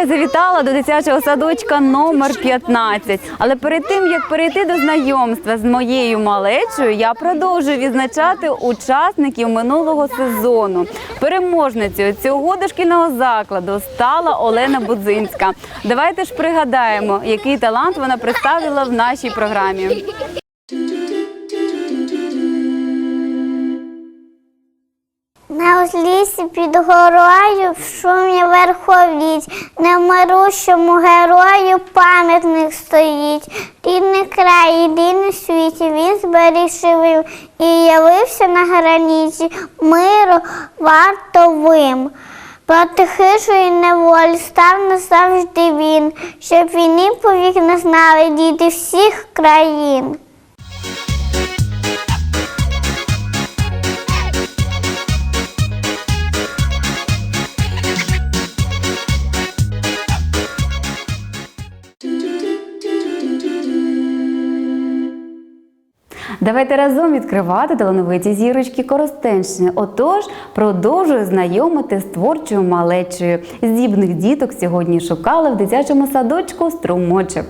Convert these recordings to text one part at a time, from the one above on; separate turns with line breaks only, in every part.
я завітала до дитячого садочка номер 15. Але перед тим, як перейти до знайомства з моєю малечою, я продовжую відзначати учасників минулого сезону. Переможницею цього дошкільного закладу стала Олена Будзинська. Давайте ж пригадаємо, який талант вона представила в нашій програмі.
На узліссі під горою в шумі верховіть, немирущому герою пам'ятник стоїть. Рідний край, єдиний світі, він зберіг живим і явився на границі миру вартовим. Проти хижої неволі став назавжди він, щоб війни повік не знали діти всіх країн.
Давайте разом відкривати талановиті зірочки Коростенщини. Отож, продовжую знайомити з творчою малечею. Здібних діток сьогодні шукали в дитячому садочку «Струмочок».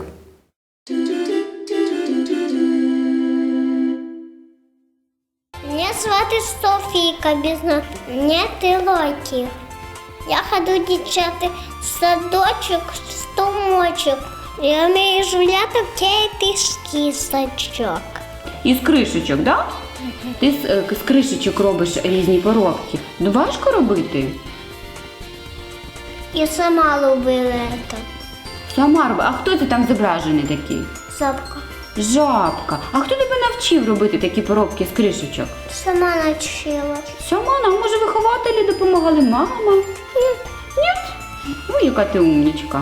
Меня звати Софійка, без нет років. Я ходжу дівчата в садочок, «Струмочок». Я вмію жуляти в кишки сачок.
Із кришечок, так? Ти з кришечок робиш різні поробки. Ну, важко робити?
Я сама любила це.
Сама роби. А хто це там зображений такий?
Запка.
Жабка. А хто тебе навчив робити такі поробки з кришечок?
Сама навчила.
Сама? А може вихователі допомагали? Мама? Ні. Ну, яка ти умнічка.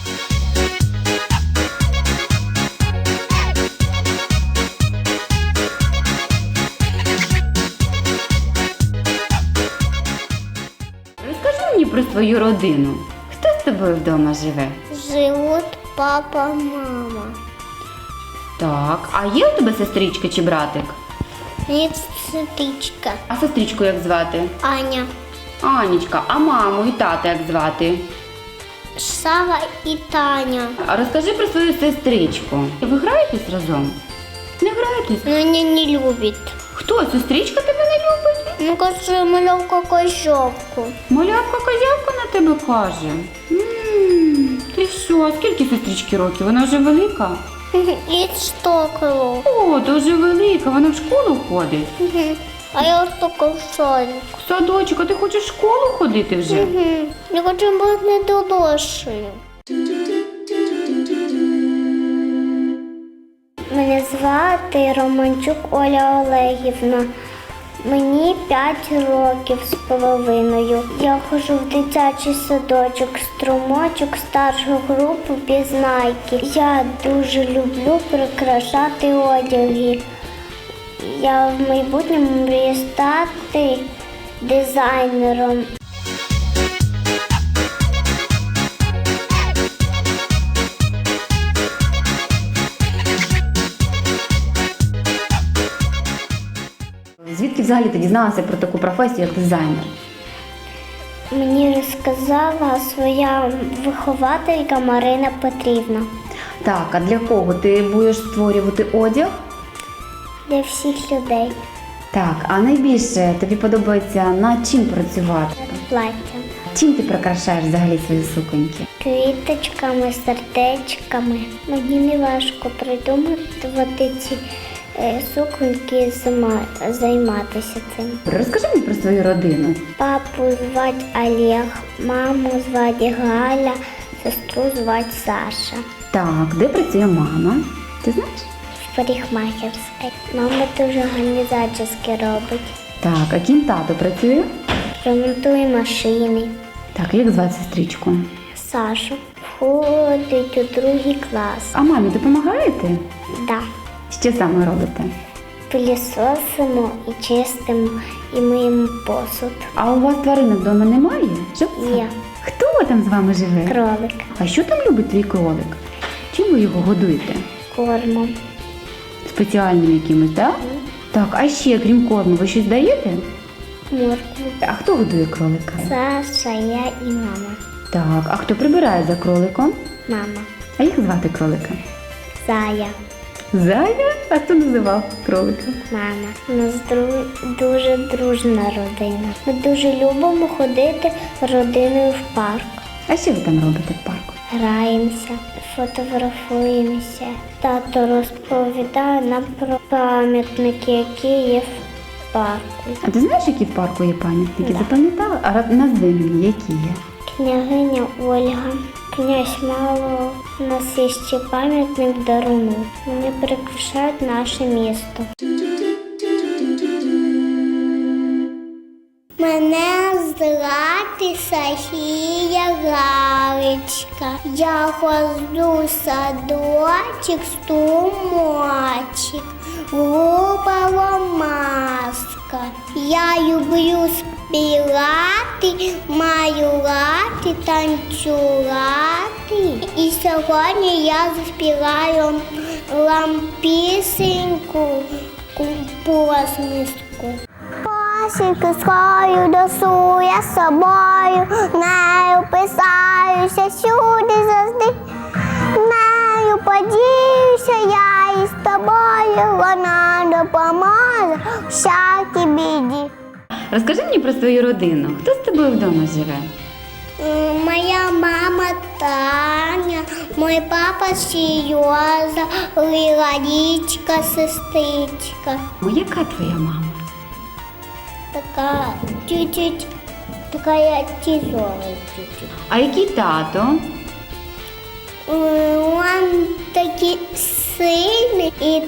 Розкажи мені про свою родину. Хто з тобою вдома живе?
Живуть папа, мама.
Так, а є у тебе сестричка чи братик?
Нет, сестричка.
А сестричку як звати?
Аня.
Анічка, а маму і тата як звати?
Сава і Таня.
А розкажи про свою сестричку. Ви граєтесь разом? Не граєтесь?
Но меня не любит.
Хто? Сестричка тебе не любить?
Ну, кажется, малявка козявку.
Малявка-козявка на тебе каже. Ти що, а скільки сестрички років? Вона вже велика?
И стоколо.
О, то вже велика, вона в школу ходить.
А я только в садик.
Садочок, а ти хочеш в школу ходити вже?
Я хочу бути дорослою. Мене звати Романчук Оля Олегівна. Мені 5 років з половиною. Я ходжу в дитячий садочок «Струмочок», старшу групу «Пізнайки». Я дуже люблю прикрашати одяги. Я в майбутньому мрію стати дизайнером.
Звідки взагалі ти дізналася про таку професію, як дизайнер?
Мені розказала своя вихователька Марина Петрівна.
Так, а для кого ти будеш створювати одяг?
Для всіх людей.
Так, а найбільше тобі подобається над чим працювати?
Плаття.
Чим ти прикрашаєш взагалі свої суконьки?
Квіточками, сердечками. Мені не важко придумати ці суконьки, займатися цим.
Розкажи мені про свою родину.
Папу звати Олег, маму звати Галя, сестру звати Саша.
Так, де працює мама? Ти знаєш?
В парикмахерській. Мама дуже гарні зачіски робить.
Так, а ким тато працює?
Ремонтує машини.
Так, як звати сестричку?
Сашу. Входить у 2 клас.
А мамі допомагаєте?
Да.
Що саме робите?
Пилісосимо і чистимо, і миємо посуд.
А у вас тваринок вдома немає? Живця?
Є.
Хто там з вами живе?
Кролик.
А що там любить твій кролик? Чим ви його годуєте?
Кормом.
Спеціальним якимось, так? Так, а ще, крім корму, ви щось даєте?
Моркву.
А хто годує кролика?
Саша, я і мама.
Так, а хто прибирає за кроликом?
Мама.
А як звати кролика?
Зая.
Зая? А хто називав кролика?
Мама. У нас дуже дружна родина. Ми дуже любимо ходити родиною в парк.
А що ви там робите в парку?
Граємося, фотографуємося. Тато розповідає нам про пам'ятники, які є в парку.
А ти знаєш, які в парку є пам'ятники?
Да.
Запам'ятала? А назви мені, які є?
Княгиня Ольга, князь Мало. У нас є ще пам'ятник Даруну. Вони прикрашають наше місто. Мене звати Софія Галичка. Я ходжу в садочок, струмочок, групова маска. Я люблю співати, малювати, танцювати. І сьогодні я заспіваю вам пісеньку посмішку. Посмішки свою носу я з собою, нею писаюся всюди завжди. Нею подіюся я із тобою, вона допоможе в всякій біді.
Розкажи мені про свою родину. Хто з тобою вдома живе?
Моя мама Таня, мой папа Сережа, Лиларичка, сестричка.
Яка твоя мама?
Така чуть-чуть, такая тяжелая чуть-чуть.
А який тато?
Он такий сильный и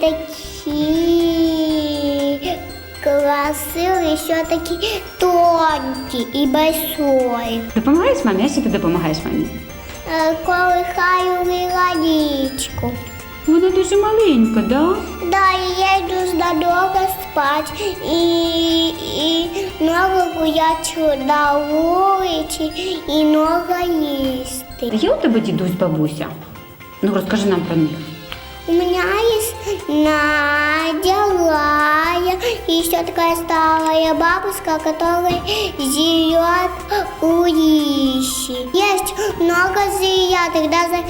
такие красивый, еще такие тонкий и большой.
Допомагаєш мамі? А що ти допомагаєш мамі?
Колыхаю лиларичку.
Вона дуже маленька, да?
Да, и я иду надолго спать и много гулять на улице и много есть.
Є у тебе дідусь, бабуся? Ну, розкажи нам про них.
У меня есть Надя, Лая и еще такая старая бабушка, которая живет у Лищи. Есть много зрятых, даже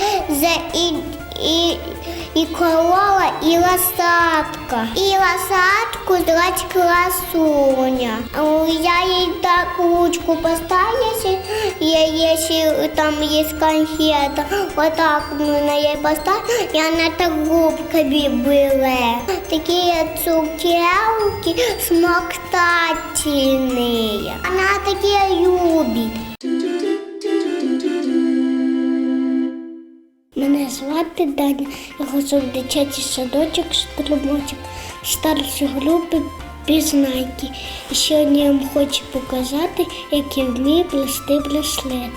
и корова, и лошадка. И лошадку звать Красуня. Я ей так ручку поставлю, если там есть конфета, вот так на ей поставлю, и она так губками была. Такие цукерки смоктательные. Она такие любит. Мене звати Даня, я ходжу в дитячий садочок, струмочок, старші групи пізнайки. І сьогодні я вам хочу показати, як я вмію плести браслети.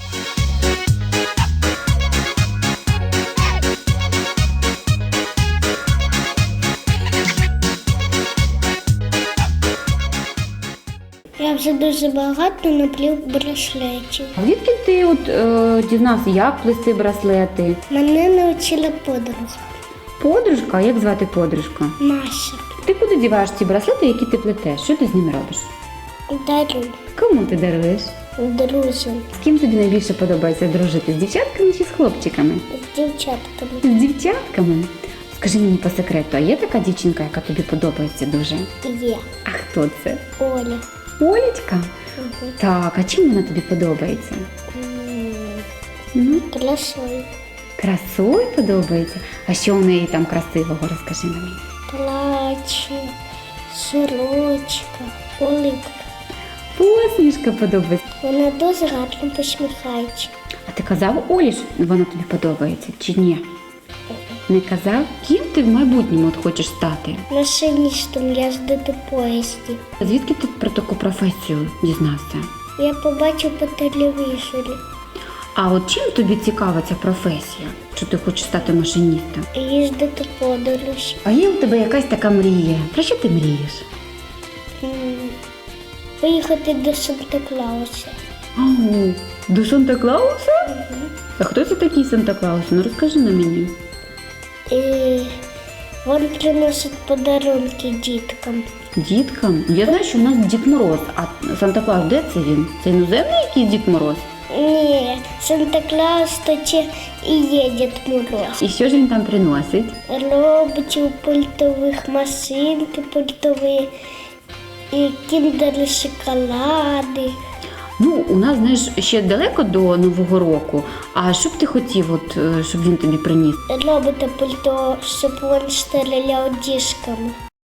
Я вже дуже багато наплів браслетів.
А звідки ти дізнався, як плести браслети?
Мене навчила подруга
Подружка? Як звати подружка?
Маша.
Ти куди діваєш ці браслети, які ти плетеш? Що ти з ними робиш?
Дарю
Кому ти даруєш?
друзям
З ким тобі найбільше подобається дружити? З дівчатками чи з хлопчиками?
з дівчатками.
З дівчатками? Скажи мені по секрету, а є така дівчинка, яка тобі подобається дуже?
Є
А хто це?
Оля.
Олечка? Так, а чим вона тобі подобається? Ну,
Красою.
красою подобається? А що у неї там красивого, розкажи мені.
Плаче, сорочка, улыбка.
Посмішка подобається.
Вона дуже гарно посміхається.
А ти казав Олі, що вона тобі подобається чи ні? Не казав? Ким ти в майбутньому от хочеш стати?
Машиністом я жду до поїзді.
Звідки ти про таку професію дізнався?
Я побачив по телевізорі.
А от чим тобі цікава ця професія? Що ти хочеш стати машиністом?
Їздити подорож.
А є у тебе якась така мрія? Про що ти мрієш?
Поїхати до Санта-Клауса.
Ау, до Санта-Клауса? А хто це такий Санта-Клаус? Ну розкажи на мені.
І він приносить подарунки діткам.
Діткам? Я знаю, що в нас Дід Мороз, а Санта-Клаус де це він? Це іноземний якийсь Дід Мороз?
Ні, Санта-Клаус то і є Дід Мороз.
І що ж він там приносить?
Роботів пультових, машинки пультові, і кіндери шоколади.
Ну, у нас, знаєш, ще далеко до Нового року. А що б ти хотів, от, щоб він тобі приніс?
Робота пульто, щоб він стріляв діжками.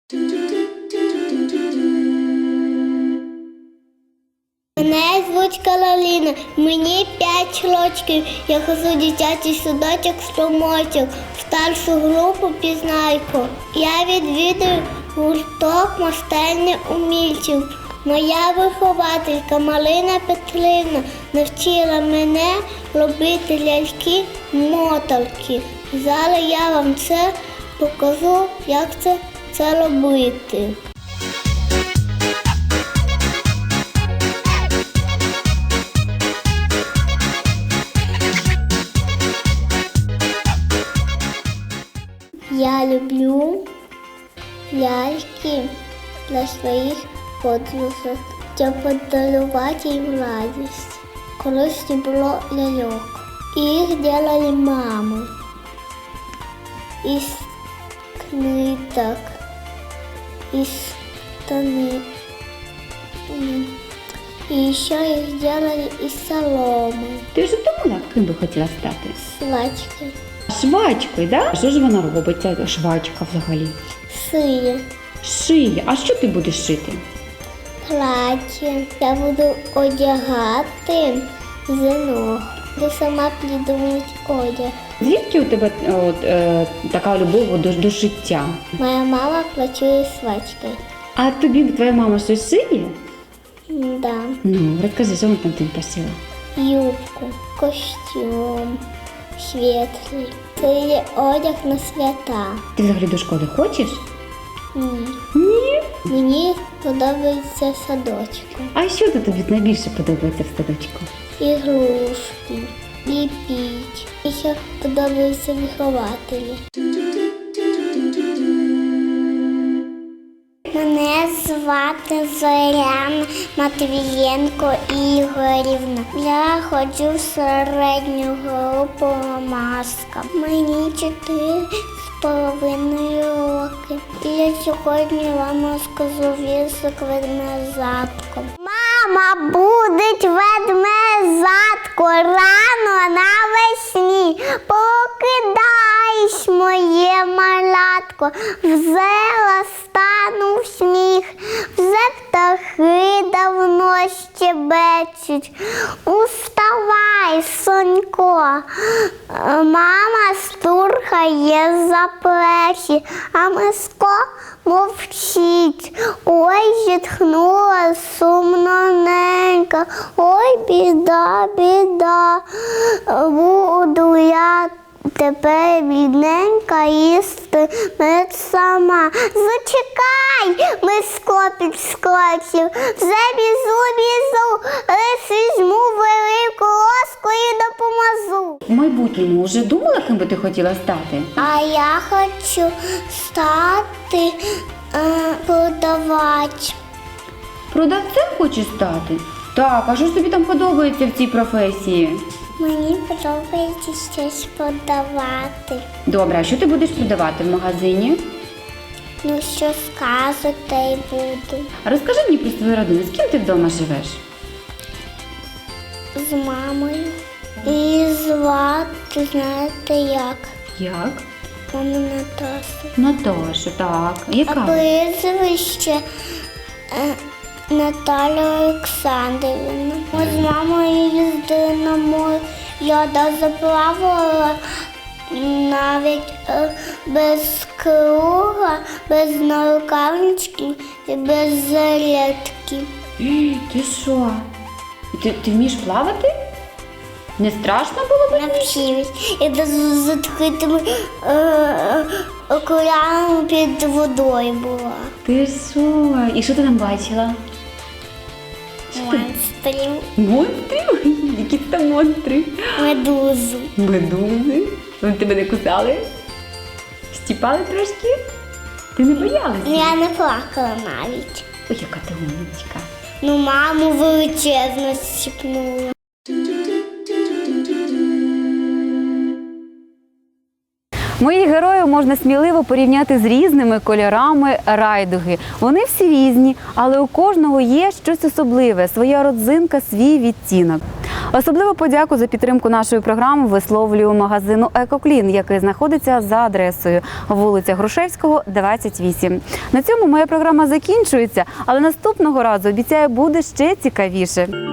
Мене звуть Кароліна, мені 5 років. Я хожу в дитячий садочок «Струмочок», в старшу групу «Пізнайку». Я відвідую гурток майстерні умільців. Моя вихователька Марина Петрівна навчила мене робити ляльки-моталки. Зараз я вам це покажу, як це робити. Я люблю ляльки для своїх подружок, щоб подарувати їм радість. Колись не було ляльок. Їх робили мами із книжок, із штани. І ще їх робили із соломи,
Ти вже думала, ким би хотіла стати?
свачки,
Швачкою, да? Що ж вона робить, ця швачка взагалі?
сиє,
Шиє. А що ти будеш шити?
плаття. Я буду одягати зинок. Буду сама придумувати одяг.
Звідки у тебе така любов до шиття?
Моя мама працює свачкою.
А тобі твоя мама щось шиє?
Да.
Ну, розкажи, що вона там тобі пошила?
Юбку, костюм, світлий. Це є одяг на свята.
Ти взагалі до школи хочеш?
Ні.
Ні.
Мені подобається садочок.
А що тобі найбільше подобається в садочку?
Ігрушки, ліпіть. І ще подобаються вихователі. Мене звати Зоряна Матвієнко Ігорівна. Я ходжу в середню групу «Маска». Мені 4,5 роки. І я сьогодні вам розкажу віршик «Ведмежатко». Мама, буде ведмежатко рано навесні. Покидаєш моє малятко, взела стану в сніг, вже птахи давно щебечуть. Уставай, сонько, мама штурхає за плечі, а Мишко мовчить. Ой, зітхнула сумно ненька, ой, біда, біда, буду я тепер бідненька їсти мед сама. Зачекай, Мишко підскочив, вже біжу, лиш візьму велику ложку і допоможу.
В майбутньому вже думала, ким би ти хотіла стати?
А я хочу стати продавач.
Продавцем хочеш стати? Так, а що ж тобі там подобається в цій професії?
Мені подобається щось продавати.
Добре, а що ти будеш продавати в магазині?
Ну, що скажуть, те й буду.
Розкажи мені про свою родину, з ким ти вдома живеш?
З мамою. І звати, знаєте як?
Як?
Мама Наташа.
Наташа, так.
А
Яка?
прізвище Наталя Олександрівна. Ми з мамою їздили на море. Я заплавала навіть без круга, без нарукавнички і без жилетки.
Ти що? Ти вмієш плавати? Не страшно було б?
Навчилась. Я з відкритими окулярами під водою була.
Ти що? І що ти там бачила?
Монстрів,
Монстри? Які там монстри?
медузу.
Медузи? Вони тебе не кусали? Стіпали трошки? Ти не боялася?
Я не плакала навіть.
Ой, яка ти умничка.
Ну, маму величезно щипнула.
Моїх героїв можна сміливо порівняти з різними кольорами райдуги. Вони всі різні, але у кожного є щось особливе, своя родзинка, свій відтінок. Особливу подяку за підтримку нашої програми висловлюю магазину «Екоклін», який знаходиться за адресою вулиця Грушевського, 28. На цьому моя програма закінчується, але наступного разу, обіцяю, буде ще цікавіше.